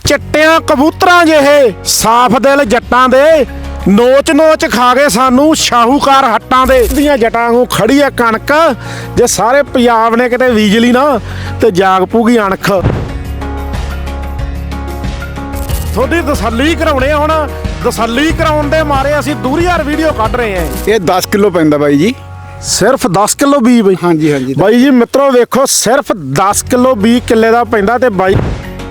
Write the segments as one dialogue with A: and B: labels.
A: चिट्टियां कबूतरां ਜਿਹੇ साफ दिल जट्टां दे नोच नोच खा गए सानू शाहूकार हट्टां दे ਦੀਆਂ ਜਟਾਂ ਨੂੰ ਖੜੀ ਆ ਕਣਕ ਜੇ ਸਾਰੇ ਪੰਜਾਬ ਨੇ ਕਿਤੇ ਬੀਜ ਲਈ ਨਾ ਤੇ ਜਾਗ ਪੂਗੀ ਅਣਖ ਥੋੜੀ ਤਸੱਲੀ ਕਰਾਉਣੇ ਹੁਣ ਤਸੱਲੀ ਕਰਾਉਣ ਦੇ ਮਾਰੇ ਅਸੀਂ ਦੂਰੀ ਯਾਰ ਵੀਡੀਓ ਕੱਢ ਰਹੇ ਆਂ
B: ਇਹ 10 ਕਿਲੋ ਪੈਂਦਾ ਬਾਈ ਜੀ
A: ਸਿਰਫ 10 ਕਿਲੋ ਬੀ ਬਈ
B: ਹਾਂਜੀ ਹਾਂਜੀ
A: ਬਾਈ ਜੀ ਮਿੱਤਰੋ ਵੇਖੋ ਸਿਰਫ 10 ਕਿਲੋ ਬੀ ਕਿੱਲੇ ਦਾ ਪੈਂਦਾ ਤੇ ਬਾਈ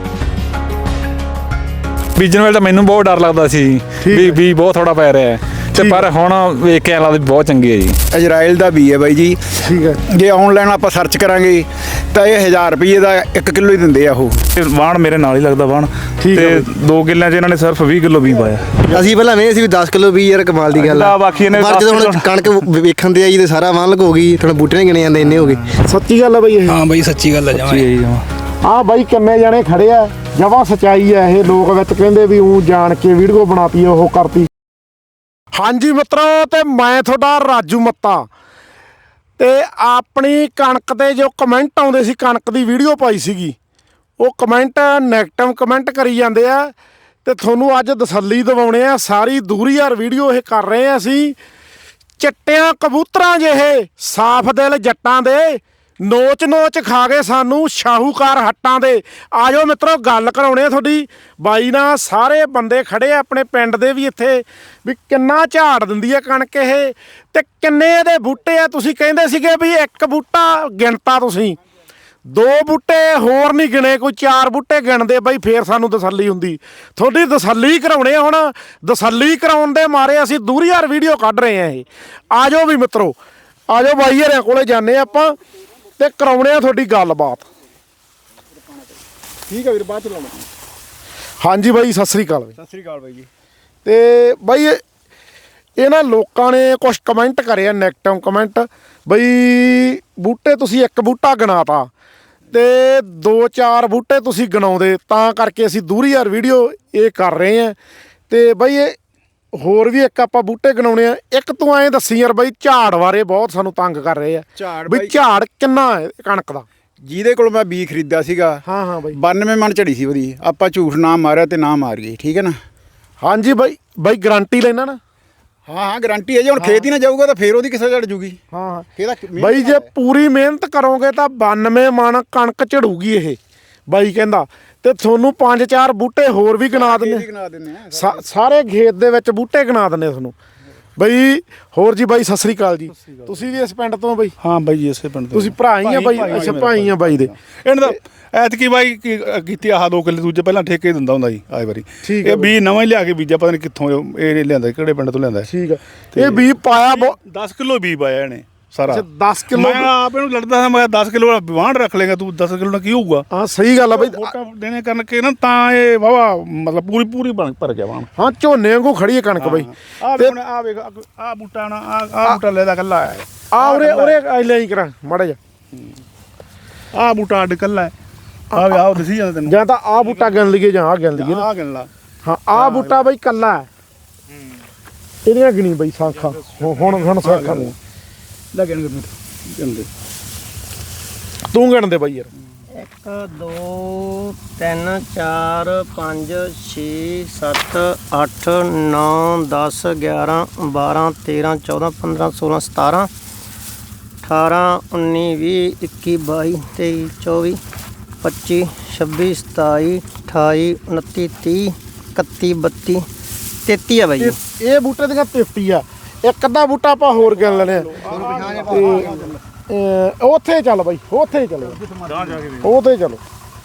C: ਬੀਜਣ ਵੇਲੇ ਤਾਂ ਮੈਨੂੰ ਬਹੁਤ ਡਰ ਲੱਗਦਾ ਸੀ ਵੀ ਬਹੁਤ ਥੋੜਾ ਪੈ ਰਿਹਾ ਹੈ ਤੇ ਪਰ ਹੁਣ ਵੇਖ ਕੇ ਲੱਗਦਾ ਬਹੁਤ ਚੰਗੀ ਹੈ ਜੀ
B: ਇਜ਼ਰਾਈਲ ਦਾ ਬੀ ਹੈ ਬਾਈ ਜੀ
A: ਠੀਕ ਹੈ
B: ਜੇ ਆਨਲਾਈਨ ਆਪਾਂ ਸਰਚ ਕਰਾਂਗੇ ਤਾਂ ਇਹ 1000 ਰੁਪਏ ਦਾ 1 ਕਿਲੋ ਹੀ ਦਿੰਦੇ ਆ ਉਹ
C: ਵਾਣ ਮੇਰੇ ਨਾਲ ਹੀ ਲੱਗਦਾ ਵਾਣ ਤੇ 2 ਕਿੱਲਿਆਂ 'ਚ ਇਹਨਾਂ ਨੇ ਸਿਰਫ 20 ਕਿਲੋ ਬੀ ਪਾਇਆ
D: ਅਸੀਂ ਪਹਿਲਾਂ ਵੇ ਸੀ ਵੀ 10 ਕਿਲੋ ਵੀ ਯਾਰ ਕਮਾਲ ਦੀ ਗੱਲ ਆ
C: ਬਾਕੀ ਇਹਨੇ
D: ਪਰ ਜਦੋਂ ਹੁਣ ਕਣਕ ਵੇਖਣ ਦੇ ਆਈ ਤੇ ਸਾਰਾ ਵਾਣ ਲਗ ਹੋ ਗਈ ਥੋੜਾ ਬੂਟੇ ਨਹੀਂ ਗਿਣੇ ਜਾਂਦੇ ਇੰਨੇ ਹੋ ਗਏ
A: ਸੱਚੀ ਗੱਲ ਹੈ ਬਈ ਇਹ
E: ਹਾਂ ਬਾਈ ਸੱਚੀ ਗੱਲ ਹੈ ਜਮਾਂ
A: ਆ ਬਾਈ ਕਿੰਨੇ ਜਣੇ ਖੜੇ ਆ ਜਮਾਂ ਸਚਾਈ ਆ ਇਹ ਲੋਕ ਵਿੱਚ ਕਹਿੰਦੇ ਵੀ ਉਹ ਜਾਣ ਕੇ ਵੀਡੀਓ ਬਣਾਤੀ ਉਹ ਕਰਤੀ ਹਾਂਜੀ ਮਿੱਤਰੋ ਤੇ ਮੈਂ ਤੁਹਾਡਾ ਰਾਜੂ ਮੱਤਾ ਤੇ ਆਪਣੀ ਕਣਕ ਤੇ ਜੋ ਕਮੈਂਟ ਆਉਂਦੇ ਸੀ ਕਣਕ ਦੀ ਵੀਡੀਓ ਪਾਈ ਸੀਗੀ ਉਹ ਕਮੈਂਟ ਨੈਗੇਟਿਵ ਕਮੈਂਟ ਕਰੀ ਜਾਂਦੇ ਆ ਤੇ ਤੁਹਾਨੂੰ ਅੱਜ ਤਸੱਲੀ ਦਿਵਾਉਣੇ ਆ ਸਾਰੀ ਦੂਰੀ ਯਾਰ ਵੀਡੀਓ ਇਹ ਕਰ ਰਹੇ ਆ ਅਸੀਂ ਚਿੱਟਿਆਂ ਕਬੂਤਰਾਂ ਜਿਹੇ ਸਾਫ ਦਿਲ ਜੱਟਾਂ ਦੇ ਨੋਚ ਨੋਚ ਖਾ ਗਏ ਸਾਨੂੰ ਸ਼ਾਹੂਕਾਰ ਹੱਟਾਂ ਦੇ ਆ ਜਾਓ ਮਿੱਤਰੋ ਗੱਲ ਕਰਾਉਣੇ ਆ ਤੁਹਾਡੀ ਬਾਈ ਨਾਲ ਸਾਰੇ ਬੰਦੇ ਖੜੇ ਆ ਆਪਣੇ ਪਿੰਡ ਦੇ ਵੀ ਇੱਥੇ ਵੀ ਕਿੰਨਾ ਝਾੜ ਦਿੰਦੀ ਆ ਕਣਕ ਇਹ ਤੇ ਕਿੰਨੇ ਇਹਦੇ ਬੂਟੇ ਆ ਤੁਸੀਂ ਕਹਿੰਦੇ ਸੀਗੇ ਵੀ ਇੱਕ ਬੂਟਾ ਗਿਣਤਾ ਤੁਸੀਂ 2 ਬੂਟੇ ਹੋਰ ਨਹੀਂ ਗਿਣੇ ਕੋਈ 4 ਬੂਟੇ ਗਿਣਦੇ ਬਾਈ ਫੇਰ ਸਾਨੂੰ ਤਸੱਲੀ ਹੁੰਦੀ ਤੁਹਾਡੀ ਤਸੱਲੀ ਕਰਾਉਣੇ ਹੁਣ ਤਸੱਲੀ ਕਰਾਉਣ ਦੇ ਮਾਰੇ ਅਸੀਂ ਦੂਰੀ ਯਾਰ ਵੀਡੀਓ ਕੱਢ ਰਹੇ ਆ ਇਹ ਆ ਜਾਓ ਵੀ ਮਿੱਤਰੋ ਆ ਜਾਓ ਬਾਈ ਹਰਿਆਂ ਕੋਲੇ ਜਾਂਦੇ ਆਪਾਂ ਤੇ ਕਰਾਉਣੇ ਆ ਤੁਹਾਡੀ ਗੱਲਬਾਤ ਠੀਕ ਹੈ ਵੀਰ ਬਾਅਦ ਚ ਲਾਉਣਾ ਹਾਂਜੀ ਬਾਈ ਸਤਿ ਸ੍ਰੀ ਅਕਾਲ
B: ਸਤਿ ਸ੍ਰੀ ਅਕਾਲ ਬਾਈ ਜੀ
A: ਤੇ ਬਾਈ ਇਹਨਾਂ ਲੋਕਾਂ ਨੇ ਕੁਝ ਕਮੈਂਟ ਕਰੇ ਆ ਨੈਗੇਟਿਵ ਕਮੈਂਟ ਬਈ ਬੂਟੇ ਤੁਸੀਂ ਇੱਕ ਬੂਟਾ ਗਿਣਾਤਾ ਤੇ 2-4 ਬੂਟੇ ਤੁਸੀਂ ਗਿਣਾਉਂਦੇ ਤਾਂ ਕਰਕੇ ਅਸੀਂ ਦੂਰੀ ਯਾਰ ਵੀਡੀਓ ਇਹ ਕਰ ਰਹੇ ਆ ਤੇ ਬਾਈ ਇਹ ਹੋਰ ਵੀ ਇੱਕ ਆਪਾਂ ਬੂਟੇ ਗਿਣਾਉਣੇ ਆ ਇੱਕ ਤੂੰ ਐਂ ਦੱਸੀ ਯਾਰ ਬਾਈ ਝਾੜ ਬਾਰੇ ਬਹੁਤ ਸਾਨੂੰ ਤੰਗ ਕਰ ਰਹੇ ਆ ਬਈ ਝਾੜ ਕਿੰਨਾ ਹੈ ਕਣਕ ਦਾ
B: ਜਿਹਦੇ ਕੋਲ ਮੈਂ ਬੀ ਖਰੀਦਿਆ ਸੀਗਾ
A: ਹਾਂ ਬਾਈ
B: 92 ਮਣ ਝੜੀ ਸੀ ਉਹਦੀ ਆਪਾਂ ਝੂਠ ਨਾ ਮਾਰਿਆ ਤੇ ਨਾ ਮਾਰ ਗਏ ਠੀਕ ਹੈ ਨਾ
A: ਹਾਂਜੀ ਬਾਈ ਗਾਰੰਟੀ ਲੈਣਾ ਨਾ
B: ਹਾਂ ਗਾਰੰਟੀ ਹੈ ਜੇ ਹੁਣ ਖੇਤ ਹੀ ਨਾ ਜਾਊਗਾ ਤਾਂ ਫੇਰ ਉਹਦੀ ਕਿਸੇ ਝੜ ਜੂਗੀ
A: ਹਾਂ
B: ਇਹਦਾ
A: ਬਾਈ ਜੇ ਪੂਰੀ ਮਿਹਨਤ ਕਰੋਗੇ ਤਾਂ 92 ਮਣ ਕਣਕ ਝੜੂਗੀ ਇਹ ਬਾਈ ਕਹਿੰਦਾ ਤੇ ਤੁਹਾਨੂੰ 5-4 ਬੂਟੇ ਹੋਰ ਵੀ ਗਿਣਾ ਦਿੰਦੇ ਸਾਰੇ ਖੇਤ ਦੇ ਵਿੱਚ ਬੂਟੇ ਗਿਣਾ ਦਿੰਦੇ ਤੁਹਾਨੂੰ ਬਈ ਹੋਰ ਜੀ ਬਾਈ ਸਤਿ ਸ੍ਰੀ ਅਕਾਲ ਜੀ ਤੁਸੀਂ ਵੀ ਇਸ ਪਿੰਡ ਤੋਂ ਬਾਈ
C: ਹਾਂ ਬਾਈ ਜੀ ਇਸੇ ਪਿੰਡ
A: ਤੁਸੀਂ ਭਰਾ ਹੀ ਆ ਬਾਈ ਅੱਛਾ ਭਾਈ ਆ ਬਾਈ ਦੇ
C: ਇਹਨਾਂ ਦਾ ਐਤਕੀ ਬਾਈ ਕੀਤੀ ਆਹ 2 ਕਿੱਲੇ ਦੂਜੇ ਪਹਿਲਾਂ ਠੇਕੇ ਦਿੰਦਾ ਹੁੰਦਾ ਸੀ ਆਏ ਵਾਰੀ
A: ਠੀਕ
C: ਇਹ ਬੀ ਨਵਾਂ ਹੀ ਲਿਆ ਕੇ ਬੀਜਿਆ ਪਤਾ ਨਹੀਂ ਕਿੱਥੋਂ ਇਹ ਲਿਆਂਦਾ ਕਿਹੜੇ ਪਿੰਡ ਤੋਂ ਲਿਆਂਦਾ
A: ਠੀਕ ਹੈ ਇਹ ਬੀ ਪਾਇਆ
C: 10 ਕਿਲੋ ਬੀ ਪਾਇਆ ਇਹਨੇ ਸਾਰਾ
A: 10 ਕਿਲੋ
C: ਮੈਂ ਆਪ ਇਹਨੂੰ ਲੜਦਾ ਹਾਂ ਮੈਂ 10 ਕਿਲੋ ਵਾਂਢ ਰੱਖ ਲੇਗਾ ਤੂੰ 10 ਕਿਲੋ ਨਾਲ ਕੀ ਹੋਊਗਾ
A: ਹਾਂ ਸਹੀ ਗੱਲ ਆ ਬਾਈ
C: ਫੋਟਾ ਦੇਣੇ ਕਰਕੇ ਨਾ ਤਾਂ ਇਹ ਵਾਵਾ ਮਤਲਬ ਪੂਰੀ ਭਰ ਗਿਆ ਵਾਣ
A: ਹਾਂ ਝੋਨੇ ਵਾਂਗੂ ਖੜੀ ਹੈ ਕਣਕ ਬਾਈ
C: ਤੇ ਆ ਵੇਖ ਆ ਬੂਟਾ ਨਾ ਆ ਬੂਟਾ ਲੈਦਾ ਕੱਲਾ ਹੈ
A: ਆ ਉਰੇ ਲੈ ਹੀ ਕਰਾਂ ਮਾੜਾ ਜਾ
C: ਆ ਬੂਟਾ ਅੱਡ ਕੱਲਾ ਹੈ ਆ ਦਿਸੀ ਜਾਂਦਾ ਤੈਨੂੰ
A: ਜਾਂ ਤਾਂ ਆ ਬੂਟਾ ਗਿਣ ਲਈਏ ਜਾਂ ਆ ਗਿਣ ਲਈਏ
C: ਆ ਗਿਣ ਲਾ
A: ਹਾਂ ਆ ਬੂਟਾ ਬਾਈ ਕੱਲਾ ਹੈ ਇਹਦੀਆਂ ਗਿਣੀ ਬਾਈ ਸਾਖਾਂ ਹੁਣ ਸਾਖਾਂ ਨੇ
C: ਲੱਗਣ ਦੇ
A: ਤੂੰ ਗਿਣ ਦੇ ਬਾਈ ਯਾਰ
F: 1 2 3 4 5 6 7 8 9 10 11 12 13 14 15 16 17 18 19 20 21 22 23 24 25 26 27 28 29 30 31 32 33 ਆ ਬਾਈ
A: ਇਹ ਬੂਟੇ ਦੀਆਂ 33 ਆ ਇੱਕ ਅੱਧਾ ਬੂਟਾ ਆਪਾਂ ਹੋਰ ਗਿਣ ਲੈਣੇ ਉੱਥੇ ਚੱਲ ਬਾਈ ਉੱਥੇ ਹੀ ਚਲੋ ਉੱਥੇ ਚਲੋ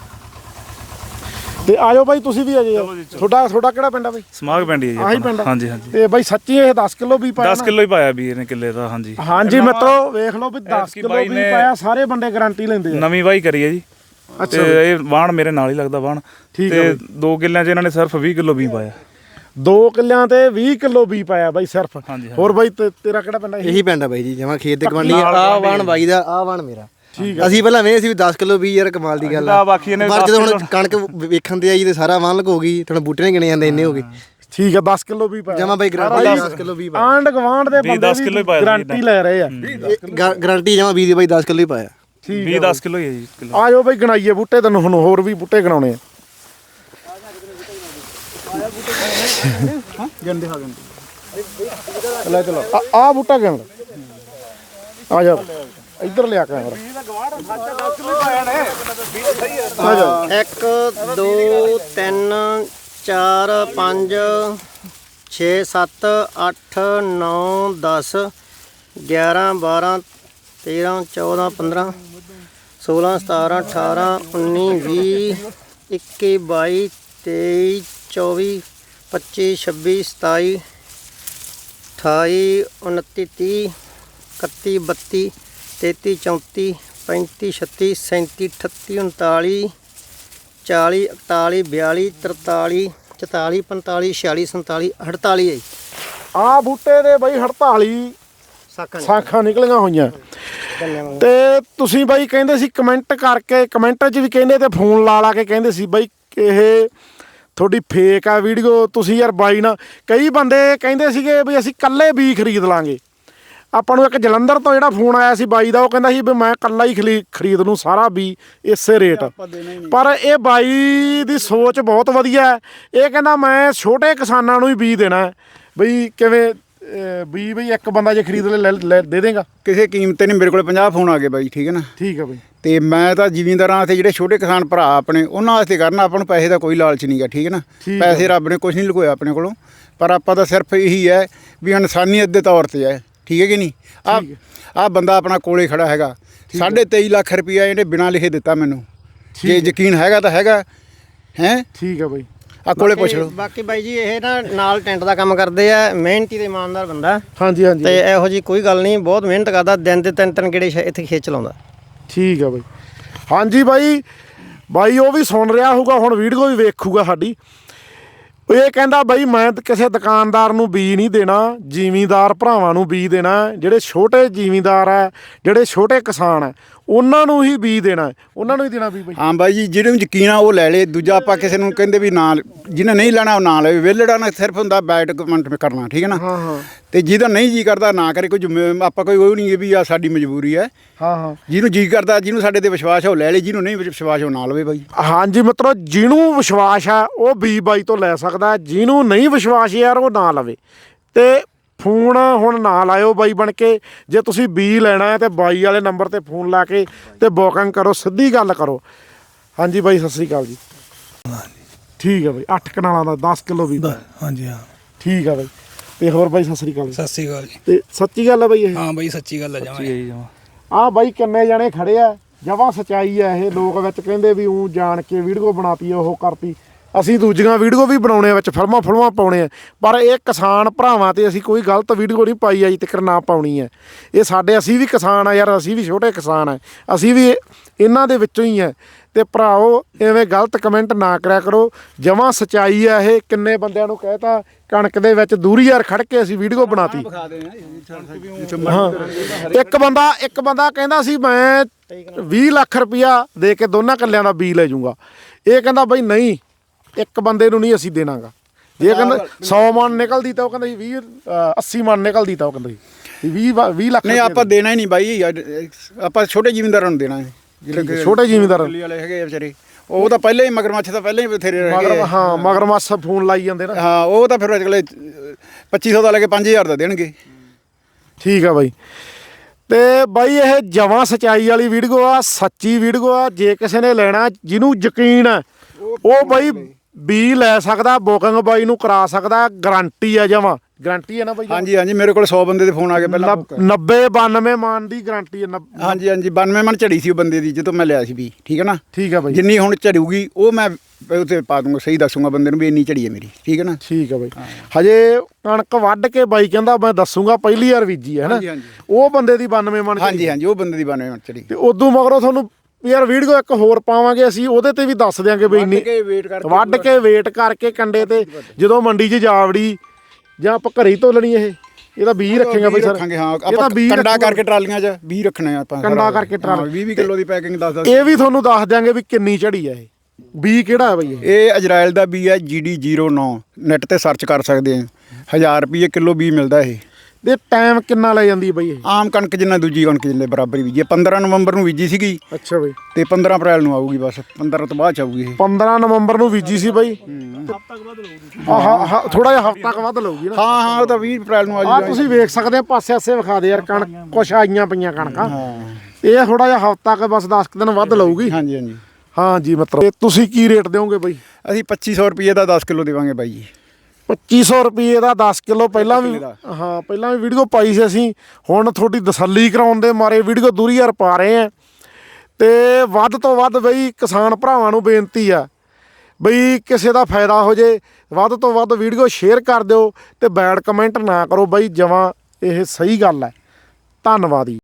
A: ਤੇ ਆਜੋ ਬਾਈ ਤੁਸੀਂ ਵੀ ਆਜੋ ਤੁਹਾਡਾ ਕਿਹੜਾ ਪਿੰਡ ਆ ਬਾਈ
C: ਸਮਾਗ ਪਿੰਡ ਹੀ
A: ਆਹੀ ਪਿੰਡ
C: ਹਾਂਜੀ ਹਾਂਜੀ
A: ਤੇ ਬਾਈ ਸੱਚੀ ਇਹ 10 ਕਿਲੋ ਵੀ ਪਾਇਆ
C: 10 ਕਿਲੋ ਹੀ ਪਾਇਆ ਵੀਰ ਨੇ ਕਿੱਲੇ ਦਾ ਹਾਂਜੀ
A: ਹਾਂਜੀ ਮਿੱਤਰੋ ਵੇਖ ਲਓ ਵੀ 10 ਕਿਲੋ ਵੀ ਪਾਇਆ ਸਾਰੇ ਬੰਦੇ ਗਾਰੰਟੀ ਲੈਂਦੇ ਆ
C: ਨਵੀਂ ਵਾਹੀ ਕਰੀ ਹੈ ਜੀ
A: ਅੱਛਾ
C: ਇਹ ਵਾਣ ਮੇਰੇ ਨਾਲ ਹੀ ਲੱਗਦਾ ਵਾਣ ਤੇ 2 ਕਿੱਲਿਆਂ 'ਚ ਇਹਨਾਂ ਨੇ ਸਿਰਫ 20 ਕਿਲੋ ਵੀ ਪਾਇਆ
A: 2 ਕਿੱਲਿਆਂ ਤੇ 20 ਕਿਲੋ ਵੀ ਪਾਇਆ ਬਾਈ ਸਿਰਫ ਹੋਰ ਬਾਈ ਤੇਰਾ ਕਿਹੜਾ ਪਿੰਡ
D: ਇਹੀ ਪਿੰਡ ਆ ਬਾਈ ਜੀ ਜਮਾਂ ਖੇਤ ਦੇ ਗਵਾਂਢੀ ਆ ਵਾਣ ਬਾਈ ਦਾ ਆ ਵਾਣ ਮੇਰਾ ਅਸੀਂ ਪਹਿਲਾਂ ਵੇ ਸੀ ਵੀ 10 ਕਿਲੋ ਵੀ ਯਾਰ ਕਮਾਲ ਦੀ ਗੱਲ ਆ ਪਰ ਜਦੋਂ ਹੁਣ ਕਣਕ ਵੇਖਣ ਦੇ ਆਈ ਤੇ ਸਾਰਾ ਵਾਣ ਲਗ ਹੋ ਗਈ ਥੋੜਾ ਬੂਟੇ ਨਹੀਂ ਗਿਣੇ ਜਾਂਦੇ ਇੰਨੇ ਹੋ ਗਏ
A: ਠੀਕ ਹੈ 10 ਕਿਲੋ ਵੀ ਪਾਇਆ
D: ਜਮਾ ਬਾਈ ਗਾਰੰਟੀ 10 ਕਿਲੋ ਵੀ ਪਾਇਆ
A: ਆਂਡ ਗਵਾਂਡ ਦੇ ਬੰਦੇ ਵੀ ਗਾਰੰਟੀ ਲੈ ਰਹੇ ਆ
D: ਗਾਰੰਟੀ ਜਮਾ 20 ਦੀ ਬਾਈ 10 ਕਿਲੋ ਹੀ ਪਾਇਆ
C: 20 10 ਕਿਲੋ ਹੀ ਹੈ ਜੀ
A: ਆ ਜਾਓ ਬਾਈ ਗਣਾਈਏ ਬੂਟੇ ਤੈਨੂੰ ਹੁਣ ਹੋਰ ਵੀ ਬੂਟੇ ਗਣਾਉਣੇ ਆ
B: ਗੰਦੇ ਹਾਂ ਗੰਦੇ
A: ਆ ਬੂਟਾ ਗਿਣ ਆ ਜਾ ਇੱਧਰ ਲਿਆ ਕੈਮਰਾ
F: 1 2 3 4 5 6 7 8 9 10 11 12 13 14 15 16 17 18 19 20 21 22 23 24 25 26 27 28 29 30 31 32 33 34 35 36 37 38 39 40 41 42 43 44 45 46 47 48 ਹੈ ਜੀ।
A: ਆ ਬੂਟੇ ਦੇ ਬਈ 48 ਸਾਖਾਂ ਨਿਕਲੀਆਂ ਹੋਈਆਂ ਤੇ ਤੁਸੀਂ ਬਾਈ ਕਹਿੰਦੇ ਸੀ ਕਮੈਂਟ ਕਰਕੇ, ਕਮੈਂਟ 'ਚ ਵੀ ਕਹਿੰਦੇ ਤੇ ਫੋਨ ਲਾ ਕੇ ਕਹਿੰਦੇ ਸੀ ਬਾਈ ਇਹ ਤੁਹਾਡੀ ਫੇਕ ਆ ਵੀਡੀਓ। ਤੁਸੀਂ ਯਾਰ ਬਾਈ ਨਾਲ ਕਈ ਬੰਦੇ ਕਹਿੰਦੇ ਸੀਗੇ ਵੀ ਅਸੀਂ ਕੱਲੇ ਬੀ ਖਰੀਦ ਲਾਂਗੇ। ਆਪਾਂ ਨੂੰ ਇੱਕ ਜਲੰਧਰ ਤੋਂ ਜਿਹੜਾ ਫੋਨ ਆਇਆ ਸੀ ਬਾਈ ਦਾ, ਉਹ ਕਹਿੰਦਾ ਸੀ ਵੀ ਮੈਂ ਕੱਲਾ ਹੀ ਖਰੀਦ ਲੂੰ ਸਾਰਾ ਬੀ ਇਸੇ ਰੇਟ। ਪਰ ਇਹ ਬਾਈ ਦੀ ਸੋਚ ਬਹੁਤ ਵਧੀਆ ਹੈ। ਇਹ ਕਹਿੰਦਾ ਮੈਂ ਛੋਟੇ ਕਿਸਾਨਾਂ ਨੂੰ ਹੀ ਬੀ ਦੇਣਾ ਹੈ। ਬਈ ਕਿਵੇਂ ਬੀ ਬਈ ਇੱਕ ਬੰਦਾ ਜੇ ਖਰੀਦ ਲੈ ਦੇ ਦੇਗਾ
B: ਕਿਸੇ ਕੀਮਤ ਤੇ ਨਹੀਂ। ਮੇਰੇ ਕੋਲ 50 ਫੋਨ ਆ ਗਏ ਬਾਈ, ਠੀਕ ਹੈ ਨਾ।
A: ਠੀਕ ਹੈ ਬਈ।
B: ਤੇ ਮੈਂ ਤਾਂ ਜ਼ਿਮੀਂਦਾਰਾਂ ਤੇ ਜਿਹੜੇ ਛੋਟੇ ਕਿਸਾਨ ਭਰਾ ਆਪਣੇ ਉਹਨਾਂ ਵਾਸਤੇ ਕਰਨਾ। ਆਪਾਂ ਨੂੰ ਪੈਸੇ ਦਾ ਕੋਈ ਲਾਲਚ ਨਹੀਂਗਾ, ਠੀਕ ਹੈ ਨਾ। ਪੈਸੇ ਰੱਬ ਨੇ ਕੁਝ ਨਹੀਂ ਲੁਕੋਇਆ ਆਪਣੇ ਕੋਲੋਂ, ਪਰ ਆਪਾਂ ਤਾਂ ਸਿਰਫ ਇਹੀ ਹੈ ਵੀ ਇਨਸਾਨੀਅਤ ਦੇ ਤੌਰ ਤੇ ਹੈ, ਠੀਕ ਹੈ ਕਿ ਨਹੀਂ। ਆਹ ਬੰਦਾ ਆਪਣਾ ਕੋਲੇ ਖੜਾ ਹੈਗਾ, 23.5 ਲੱਖ ਰੁਪਇਆ ਇਹਨੇ ਬਿਨਾਂ ਲਿਖੇ ਦਿੱਤਾ ਮੈਨੂੰ। ਜੇ ਯਕੀਨ ਹੈਗਾ ਤਾਂ ਹੈਗਾ ਹੈ।
A: ਠੀਕ ਹੈ ਬਾਈ,
B: ਆ ਕੋਲੇ ਪੁੱਛ ਲਓ।
F: ਬਾਕੀ ਬਾਈ ਜੀ ਇਹ ਨਾ ਨਾਲ ਟੈਂਟ ਦਾ ਕੰਮ ਕਰਦੇ ਆ, ਮਿਹਨਤੀ ਤੇ ਇਮਾਨਦਾਰ ਬੰਦਾ।
A: ਹਾਂਜੀ ਹਾਂਜੀ।
F: ਤੇ ਇਹੋ ਜੀ ਕੋਈ ਗੱਲ ਨਹੀਂ, ਬਹੁਤ ਮਿਹਨਤ ਕਰਦਾ, ਦਿਨ ਦੇ 3-3 ਗੇੜੇ ਇੱਥੇ ਖੇਚ ਲਾਉਂਦਾ।
A: ਠੀਕ ਹੈ ਬਾਈ। ਹਾਂਜੀ ਬਾਈ ਉਹ ਵੀ ਸੁਣ ਰਿਹਾ ਹੋਊਗਾ, ਹੁਣ ਵੀਡੀਓ ਵੀ ਵੇਖੂਗਾ ਸਾਡੀ। ਇਹ ਕਹਿੰਦਾ ਬਾਈ ਮੈਂ ਕਿਸੇ ਦੁਕਾਨਦਾਰ ਨੂੰ ਬੀ ਨਹੀਂ ਦੇਣਾ, ਜ਼ਿਮੀਂਦਾਰ ਭਰਾਵਾਂ ਨੂੰ ਬੀ ਦੇਣਾ। ਜਿਹੜੇ ਛੋਟੇ ਜ਼ਿਮੀਂਦਾਰ ਹੈ, ਜਿਹੜੇ ਛੋਟੇ ਕਿਸਾਨ ਹੈ, ਉਹਨਾਂ ਨੂੰ ਹੀ ਬੀ ਦੇਣਾ, ਉਹਨਾਂ ਨੂੰ ਹੀ ਦੇਣਾ ਬੀ ਬਾਈ।
B: ਹਾਂ ਬਾਈ ਜੀ, ਜਿਹਨੂੰ ਯਕੀਨ ਆ ਉਹ ਲੈ ਲੇ। ਦੂਜਾ ਆਪਾਂ ਕਿਸੇ ਨੂੰ ਕਹਿੰਦੇ ਵੀ ਨਾ, ਜਿਹਨੇ ਨਹੀਂ ਲੈਣਾ ਉਹ ਨਾ ਲਵੇ। ਵਿਹਲੜਾ ਨਾ ਸਿਰਫ ਹੁੰਦਾ ਬੈਟ ਕਮੈਂਟ ਕਰਨਾ, ਠੀਕ ਹੈ ਨਾ।
A: ਹਾਂ ਹਾਂ।
B: ਤੇ ਜਿਹਦਾ ਨਹੀਂ ਜੀ ਕਰਦਾ ਨਾ ਕਰੇ। ਕੋਈ ਆਪਾਂ ਕੋਈ ਉਹ ਨਹੀਂ ਵੀ ਆ ਸਾਡੀ ਮਜਬੂਰੀ ਹੈ।
A: ਹਾਂ ਹਾਂ।
B: ਜਿਹਨੂੰ ਜੀ ਕਰਦਾ, ਜਿਹਨੂੰ ਸਾਡੇ ਤੇ ਵਿਸ਼ਵਾਸ ਹੈ ਉਹ ਲੈ ਲੇ, ਜਿਹਨੂੰ ਨਹੀਂ ਵਿਸ਼ਵਾਸ ਉਹ ਨਾ ਲਵੇ ਬਾਈ।
A: ਹਾਂਜੀ ਮਿੱਤਰੋ, ਜਿਹਨੂੰ ਵਿਸ਼ਵਾਸ ਹੈ ਉਹ ਬੀ ਬਾਈ ਤੋਂ ਲੈ ਸਕਦਾ, ਜਿਹਨੂੰ ਨਹੀਂ ਵਿਸ਼ਵਾਸ ਯਾਰ ਉਹ ਨਾ ਲਵੇ। ਤੇ ਫੋਨ ਹੁਣ ਨਾ ਲਾਇਓ ਬਾਈ ਬਣ ਕੇ। ਜੇ ਤੁਸੀਂ ਬੀ ਲੈਣਾ ਹੈ ਤੇ ਬਾਈ ਵਾਲੇ ਨੰਬਰ ਤੇ ਫੋਨ ਲਾ ਕੇ ਤੇ ਬੁਕਿੰਗ ਕਰੋ, ਸਿੱਧੀ ਗੱਲ ਕਰੋ। ਹਾਂਜੀ ਬਾਈ, ਸਤਿ ਸ੍ਰੀ ਅਕਾਲ ਜੀ। ਠੀਕ ਹੈ ਬਾਈ, 8 ਕਨਾਲਾਂ ਦਾ 10 ਕਿਲੋ ਵੀ।
E: ਹਾਂਜੀ ਹਾਂ
A: ਠੀਕ ਹੈ ਬਾਈ। ਤੇ ਹੋਰ ਬਾਈ ਸਤਿ ਸ੍ਰੀ ਅਕਾਲ ਜੀ।
E: ਸਤਿ ਸ੍ਰੀ ਅਕਾਲ ਜੀ।
A: ਤੇ ਸੱਚੀ ਗੱਲ ਹੈ ਬਾਈ ਇਹ?
E: ਹਾਂ ਬਾਈ ਸੱਚੀ ਗੱਲ ਹੈ ਜਮਾਂ।
A: ਆਹ ਬਾਈ ਕਿੰਨੇ ਜਣੇ ਖੜੇ ਆ, ਜਮਾਂ ਸੱਚਾਈ ਆ ਇਹ। ਲੋਕ ਵਿੱਚ ਕਹਿੰਦੇ ਵੀ ਉਹ ਜਾਣ ਕੇ ਵੀਡੀਓ ਬਣਾਤੀ, ਉਹ ਕਰਤੀ। ਅਸੀਂ ਦੂਜੀਆਂ ਵੀਡੀਓ ਵੀ ਬਣਾਉਣੇ ਵਿੱਚ, ਫਿਲਮਾਂ ਪਾਉਣੇ ਆ, ਪਰ ਇਹ ਕਿਸਾਨ ਭਰਾਵਾਂ ਤੇ ਅਸੀਂ ਕੋਈ ਗਲਤ ਵੀਡੀਓ ਨਹੀਂ ਪਾਈ ਅਜੇ ਤੱਕ, ਨਾ ਪਾਉਣੀ ਹੈ। ਇਹ ਸਾਡੇ, ਅਸੀਂ ਵੀ ਕਿਸਾਨ ਆ ਯਾਰ, ਅਸੀਂ ਵੀ ਛੋਟੇ ਕਿਸਾਨ ਆ, ਅਸੀਂ ਵੀ ਇਹਨਾਂ ਦੇ ਵਿੱਚੋਂ ਹੀ ਆ। ਤੇ ਭਰਾਓ ਐਵੇਂ ਗਲਤ ਕਮੈਂਟ ਨਾ ਕਰਿਆ ਕਰੋ, ਜਮਾਂ ਸੱਚਾਈ ਆ ਇਹ। ਕਿੰਨੇ ਬੰਦਿਆਂ ਨੂੰ ਕਹਿਤਾ ਕਣਕ ਦੇ ਵਿੱਚ ਦੂਰੀ ਯਾਰ ਖੜ ਕੇ ਅਸੀਂ ਵੀਡੀਓ ਬਣਾਤੀ। ਹਾਂ, ਇੱਕ ਬੰਦਾ ਕਹਿੰਦਾ ਸੀ ਮੈਂ 20 ਲੱਖ ਰੁਪਇਆ ਦੇ ਕੇ ਦੋਨਾਂ ਕੱਲਿਆਂ ਦਾ ਬੀ ਲੈ ਜਾਊਗਾ। ਇਹ ਕਹਿੰਦਾ ਬਈ ਨਹੀਂ, ਇੱਕ ਬੰਦੇ ਨੂੰ ਨਹੀਂ ਅਸੀਂ ਦੇਣਾਗਾ। ਜੇ ਕਹਿੰਦਾ 100 ਮਣ ਨਿਕਲਦੀ ਤਾਂ ਉਹ ਕਹਿੰਦਾ ਸੀ 80 ਮਣ ਨਿਕਲਦੀ ਤਾਂ ਉਹ ਕਹਿੰਦਾ ਸੀ 20 ਲੱਖ।
B: ਨਹੀਂ ਆਪਾਂ ਦੇਣਾ ਹੀ ਨਹੀਂ ਬਾਈ, ਆਪਾਂ ਛੋਟੇ ਜ਼ਿਮੀਂਦਾਰਾਂ ਨੂੰ ਦੇਣਾ ਹੈ। ਜਿਹੜੇ
A: ਛੋਟੇ ਜ਼ਿਮੀਂਦਾਰ
B: ਵਾਲੇ ਹੈਗੇ ਆ ਵਿਚਾਰੇ, ਉਹ ਤਾਂ ਪਹਿਲਾਂ ਹੀ ਮਗਰਮੱਛ ਤਾਂ ਪਹਿਲਾਂ ਹੀ ਬਥੇਰੇ ਰਹਿ ਗਏ।
A: ਹਾਂ, ਮਗਰਮੱਛ ਫੋਨ ਲਾਈ ਜਾਂਦੇ ਨਾ।
B: ਹਾਂ, ਉਹ ਤਾਂ ਫਿਰ ਅਗਲੇ 2500 ਦਾ ਲੈ ਕੇ 5000 ਦਾ ਦੇਣਗੇ।
A: ਠੀਕ ਆ ਬਾਈ। ਤੇ ਬਾਈ ਇਹ ਜਮਾਂ ਸੱਚਾਈ ਵਾਲੀ ਵੀਡੀਓ ਆ, ਸੱਚੀ ਵੀਡੀਓ ਆ। ਜੇ ਕਿਸੇ ਨੇ ਲੈਣਾ, ਜਿਹਨੂੰ ਯਕੀਨ ਹੈ ਉਹ ਬਾਈ ਬੀ ਲੈ ਸਕਦਾ, ਬੁਕਿੰਗ ਬਾਈ ਨੂੰ ਕਰਾ ਸਕਦਾ। ਗਰੰਟੀ ਆ, ਜਮਾਂ ਗਰੰਟੀ ਹੈ ਨਾ ਬਾਈ?
B: ਹਾਂਜੀ ਹਾਂਜੀ, ਮੇਰੇ ਕੋਲ 100 ਬੰਦੇ ਦੇ ਫੋਨ ਆ ਗਏ ਪਹਿਲਾਂ।
A: 90-92 ਮਣ ਦੀ ਗਰੰਟੀ ਹੈ।
B: ਹਾਂਜੀ ਹਾਂਜੀ, 92 ਮਣ ਝੜੀ ਸੀ ਉਹ ਬੰਦੇ ਦੀ ਜਦੋਂ ਮੈਂ ਲਿਆ ਸੀ ਵੀ, ਠੀਕ ਹੈ ਨਾ।
A: ਠੀਕ ਆ ਬਾਈ।
B: ਜਿੰਨੀ ਹੁਣ ਝੜੂਗੀ ਉਹ ਮੈਂ ਉੱਤੇ ਪਾ ਦੂੰਗਾ, ਸਹੀ ਦੱਸੂਗਾ ਬੰਦੇ ਨੂੰ ਵੀ ਇੰਨੀ ਝੜੀ ਹੈ ਮੇਰੀ, ਠੀਕ ਹੈ ਨਾ।
A: ਠੀਕ ਆ ਬਾਈ। ਹਜੇ ਕਣਕ ਵੱਢ ਕੇ ਬਾਈ ਕਹਿੰਦਾ ਮੈਂ ਦੱਸੂਗਾ ਪਹਿਲੀ ਵਾਰ ਬੀਜੀ ਹੈ ਨਾ। ਉਹ ਬੰਦੇ ਦੀ 92 ਮਣ।
B: ਹਾਂਜੀ ਹਾਂਜੀ, ਉਹ ਬੰਦੇ ਦੀ 92 ਮਣ ਝੜੀ।
A: ਤੇ ਉਦੋਂ ਮਗਰੋਂ ਤੁਹਾਨੂੰ ਯਾਰ ਵੀਡੀਓ ਇੱਕ ਹੋਰ ਪਾਵਾਂਗੇ ਅਸੀਂ, ਉਹਦੇ ਤੇ ਵੀ ਦੱਸ ਦਿਆਂਗੇ ਬਈ ਇੰਨੀ ਵੱਢ ਕੇ ਵੇਟ ਕਰਕੇ ਕੰਡੇ ਤੇ ਜਦੋਂ ਮੰਡੀ 'ਚ ਜਾਵੜੀ ਜਾਂ ਆਪਾਂ ਘਰੇ ਹੀ ਤੋਲਣੀ। ਇਹਦਾ 20 ਰੱਖੇਗਾ ਬਈ ਸਰ?
B: ਰੱਖਾਂਗੇ। ਹਾਂ, ਆਪਾਂ ਕੰਡਾ ਕਰਕੇ ਟਰਾਲੀਆਂ 'ਚ 20 ਰੱਖਣੇ ਆਪਾਂ।
A: ਕੰਡਾ ਕਰਕੇ ਟਰਾਲੀ
B: 20 ਕਿਲੋ ਦੀ ਪੈਕਿੰਗ ਦੱਸ।
A: ਇਹ ਵੀ ਤੁਹਾਨੂੰ ਦੱਸ ਦਿਆਂਗੇ ਵੀ ਕਿੰਨੀ ਝੜੀ ਆ ਇਹ। ਬੀ ਕਿਹੜਾ ਹੈ ਬਈ
B: ਇਹ ਇਜ਼ਰਾਈਲ ਦਾ ਬੀ ਹੈ, GD09। ਨੈਟ ਤੇ ਸਰਚ ਕਰ ਸਕਦੇ ਆ। 1000 ਰੁਪਏ ਕਿਲੋ ਬੀ ਮਿਲਦਾ ਇਹ।
A: ਤੇ ਟਾਈਮ ਕਿੰਨਾ ਲੈ ਜਾਂਦੀ ਹੈ ਬਈ ਇਹ?
B: ਆਮ ਕਣਕ ਜਿੰਨਾ ਦੂਜੀ ਕਣਕ ਜਿੰਨੇ ਬਰਾਬਰ ਹੀ ਬੀਜੀ ਹੈ। 15 ਨਵੰਬਰ ਨੂੰ ਬੀਜੀ ਸੀਗੀ
A: ਅੱਛਾ ਬਈ,
B: ਤੇ 15 ਅਪ੍ਰੈਲ ਨੂੰ ਆਊਗੀ, ਬਸ 15 ਤੋਂ ਬਾਅਦ ਚ ਆਊਗੀ ਇਹ।
A: 15 ਨਵੰਬਰ ਨੂੰ ਬੀਜੀ ਸੀ ਬਈ। ਆਹ ਥੋੜਾ ਜਿਹਾ ਹਫ਼ਤਾ ਕੁ ਵੱਧ ਲਊਗੀ ਨਾ।
B: ਹਾਂ ਹਾਂ, ਉਹ ਤਾਂ 20 ਅਪ੍ਰੈਲ ਨੂੰ ਆ
A: ਆ
B: ਜਾਊਗਾ।
A: ਤੁਸੀਂ ਵੇਖ ਸਕਦੇ ਆ, ਪਾਸੇ ਆਸੇ ਵਿਖਾ ਦੇ ਯਾਰ, ਕਣਕ ਕੁਛ ਆਈਆਂ ਪਈਆਂ ਕਣਕਾਂ। ਇਹ ਥੋੜਾ ਜਿਹਾ ਹਫ਼ਤਾ ਕੁ ਬਸ 10 ਦਿਨ ਵੱਧ ਲਊਗੀ।
B: ਹਾਂਜੀ ਹਾਂਜੀ।
A: ਹਾਂ ਜੀ ਮਿੱਤਰੋ, ਤੇ ਤੁਸੀਂ ਕੀ ਰੇਟ ਦਿਓਗੇ ਬਈ?
B: ਅਸੀਂ 2500 ਰੁਪਏ ਦਾ 10 ਕਿਲੋ ਦੇਵਾਂਗੇ ਬਾਈ ਜੀ।
A: 2500 ਰੁਪਏ ਦਾ 10 ਕਿਲੋ। ਪਹਿਲਾਂ ਵੀ
B: ਦਾ।
A: ਹਾਂ, ਪਹਿਲਾਂ ਵੀ ਵੀਡੀਓ ਪਾਈ ਸੀ ਅਸੀਂ। ਹੁਣ ਤੁਹਾਡੀ ਤਸੱਲੀ ਕਰਾਉਣ ਦੇ ਮਾਰੇ ਵੀਡੀਓ ਦੂਰੀ ਯਾਰ ਪਾ ਰਹੇ ਆ। ਤੇ ਵੱਧ ਤੋਂ ਵੱਧ ਬਈ ਕਿਸਾਨ ਭਰਾਵਾਂ ਨੂੰ ਬੇਨਤੀ ਆ ਬਈ, ਕਿਸੇ ਦਾ ਫਾਇਦਾ ਹੋ ਜੇ, ਵੱਧ ਤੋਂ ਵੱਧ ਵੀਡੀਓ ਸ਼ੇਅਰ ਕਰ ਦਿਓ ਤੇ ਬੈਡ ਕਮੈਂਟ ਨਾ ਕਰੋ ਬਈ। ਜਮਾਂ ਇਹ ਸਹੀ ਗੱਲ ਹੈ। ਧੰਨਵਾਦ ਜੀ।